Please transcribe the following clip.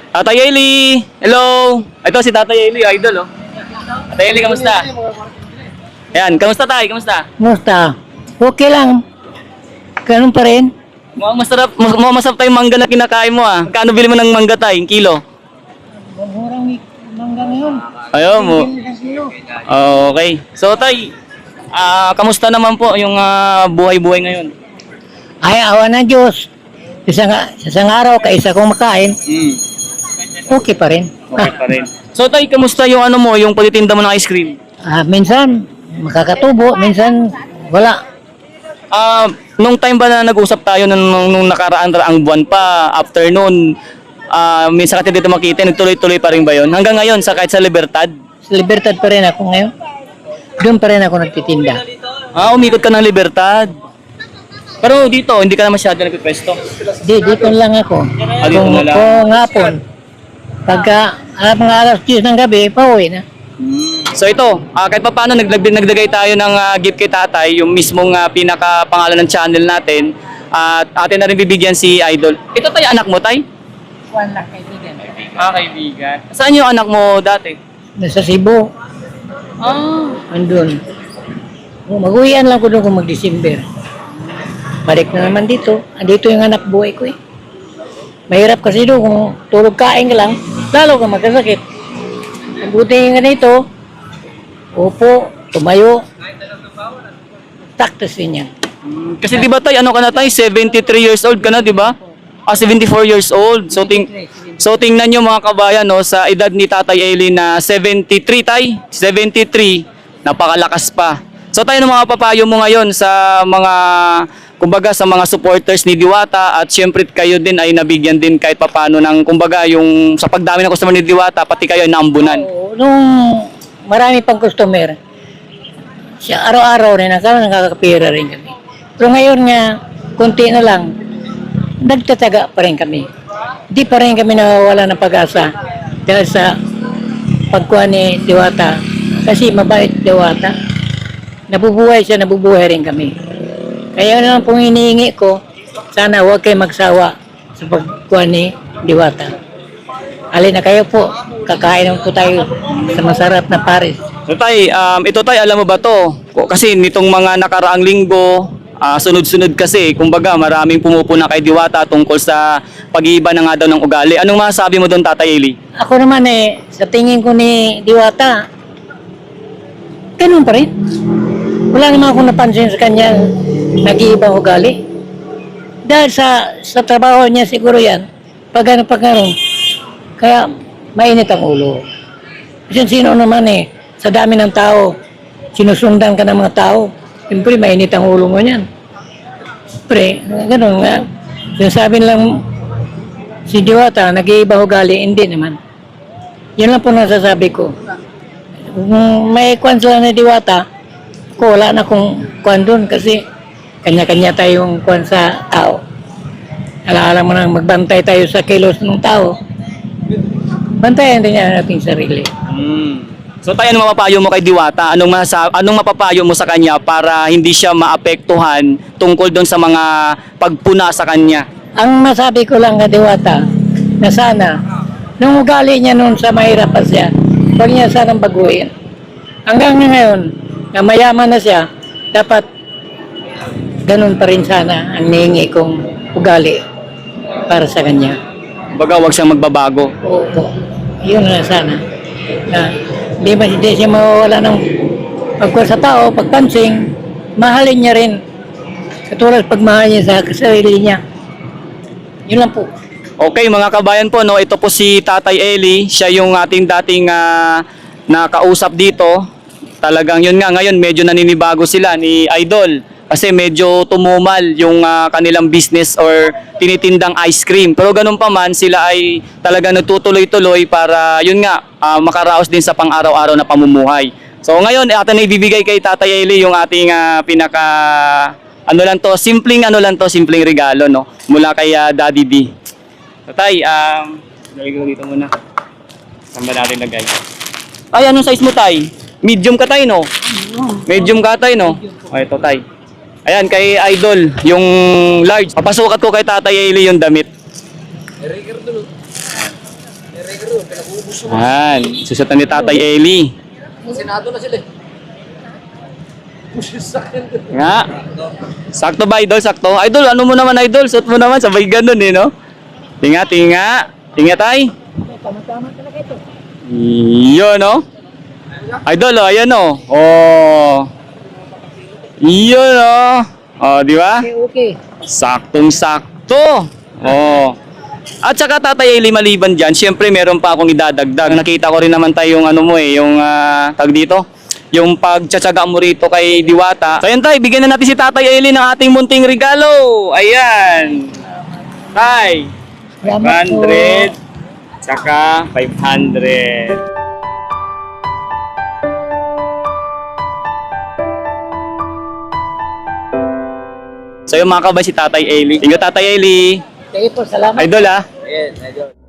Tatay Eli! Hello! Ito si Tatay Eli, idol oh. Tatay Eli, kamusta? Ayan, kamusta tayo? Kamusta? Musta? Okay lang. Ganun pa rin. Mukhang masarap tayong mangga na kinakain mo ah. Kano bili mo ng mangga tayo? Kilo? Murang mangga ngayon. Ayaw mo. Okay. So tay, kamusta naman po yung buhay-buhay ngayon? Ay, awa ng Diyos. Isang araw, kaisa kong makain, okay pa rin. Okay pa rin. So tay, kamusta yung ano mo, yung pagtitinda mo ng ice cream? Minsan, makakatubo. Minsan, wala. Nung time ba na nag-usap tayo nung nakaraan ang buwan pa, afternoon, minsan ka dito makita, nagtuloy-tuloy pa rin ba yun? Hanggang ngayon, kahit sa Libertad? Sa Libertad pa rin ako ngayon. Doon pa rin ako nagtitinda. Umikot ka ng Libertad. Pero dito, hindi ka na masyado nagpipwesto. Dito lang ako. Dito na lang. Kung hapon, pagka mga alas 10 ng gabi, pauwi na. So ito, kahit pa paano nagdagay tayo ng gift kay tatay, yung mismong pinaka-pangalan ng channel natin, at atin na rin bibigyan si Idol. Ito tayo anak mo, tay? Wala, kaibigan. Kaibigan. Saan yung anak mo dati? Nasa Cebu. Andun. Mag-uwian lang ko doon kung mag-December. Balik na naman dito. Andito yung anak buhay ko eh. Mahirap kasi doon kung tulog kain ka lang, lalo ka magkasakit. Ang buti yung ganito, upo, tumayo, taktas din yan. Kasi di ba tay, ano ka na tay? 73 years old ka na, di ba? 74 years old. So tingnan nyo mga kabayan, no, sa edad ni Tatay Eli na 73 tay, 73, napakalakas pa. So tayo ng mga papayo mo ngayon sa mga, kumbaga sa mga supporters ni Diwata, at syempre kayo din ay nabigyan din kahit papano ng, kumbaga yung sa pagdami ng customer ni Diwata, pati kayo ay naambunan. Oo, nung marami pang customer, siya araw-araw rin, nakakapira rin kami. Pero ngayon nga, konti na lang, nagtataga pa rin kami. Di pa rin kami nawawala ng pag-asa dahil sa pagkuha ni Diwata. Kasi mabait Diwata. Nabubuhay siya, nabubuhay rin kami. Kaya naman pong hinihingi ko, sana huwag kayo magsawa sa pagkuha ni Diwata. Alin na kayo po, kakain po tayo sa masarap na Paris. So tay, ito tay, alam mo ba to? Kasi nitong mga nakaraang linggo, sunod-sunod kasi, kumbaga maraming pumupuna kay Diwata tungkol sa pag-iiba na nga daw ng ugali. Anong masasabi mo doon, Tatay Eli? Ako naman sa tingin ko ni Diwata, ganun pa rin. Wala naman akong napansin sa kanya nag-iibang ugali. Dahil sa trabaho niya siguro yan, pag gano'n. Kaya mainit ang ulo. Kasi sino naman sa dami ng tao, sinusundan ka ng mga tao, siyempre mainit ang ulo mo niyan. Siyempre, gano'n nga. Sinasabi lang si Diwata, nag-iibang ugali, hindi naman. Yun lang po nasasabi ko. Kung may kwan sila na Diwata, ako wala na kung kwan doon kasi kanya-kanya tayong kwan sa tao. Alaala mo nang magbantay tayo sa kilos ng tao. Bantayan din niya nating sarili. So tayo, anong mapapayo mo kay Diwata? Anong mapapayo mo sa kanya para hindi siya maapektuhan tungkol doon sa mga pagpuna sa kanya? Ang masabi ko lang kay Diwata, na sana, nung ugali niya noon sa mahirap pa siya, huwag niya sanang baguhin. Hanggang ngayon, na mayaman na siya, dapat ganun pa rin sana ang nihingi kong ugali para sa kanya. Baga, huwag siyang magbabago. Oo, yun na sana. Na, hindi siya mawawala ng pagkuha sa tao, pagpansing, mahalin niya rin. Katulad pagmahal niya sa sarili niya. Yun lang po. Okay mga kabayan po, no, ito po si Tatay Eli, siya yung ating dating nakausap dito. Talagang yun nga, ngayon medyo naninibago sila ni Idol kasi medyo tumumal yung kanilang business or tinitindang ice cream. Pero ganun pa man, sila ay talagang nagtutuloy-tuloy para yun nga, makaraos din sa pang-araw-araw na pamumuhay. So ngayon, atin na ibibigay kay Tatay Eli yung ating pinaka, simpleng regalo, no, mula kay Daddy D. Tay, lagay ko dito muna. Saan ba natin lagay? Ay, anong size mo, Tay? Medium ka, Tay, no? Medium ka, Tay, no? O, ito, Tay. Ayan, kay Idol, yung large. Papasukat ko kay Tatay Eli yung damit. Yan. Susutan ni Tatay Eli. Senado na sila eh. Nga. Sakto ba, Idol? Sakto? Idol, ano mo naman, Idol? Suot mo naman, sabay ganun eh, no? Tinga, tinga. Tinga, tay. Tama-tama talaga ito. Yun, no? Idol, oh, ayan, oh. Oh. Yun, oh. Oh, di ba? Okay, okay. Saktong-sakto. Oh. At saka Tatay Eli, maliban dyan, syempre meron pa akong idadagdag. Nakita ko rin naman tayo yung ano mo eh, yung tag dito, yung pagtsatsaga mo rito kay Diwata. So ayan tay, bigyan na natin si Tatay Eli ng ating munting regalo. Ayan. Tay, Salamat po. 500, tsaka 500. So yung mga kabay si Tatay Eli. Thank you Tatay Eli. Sige po, salamat. Idol ah. Ayan, idol.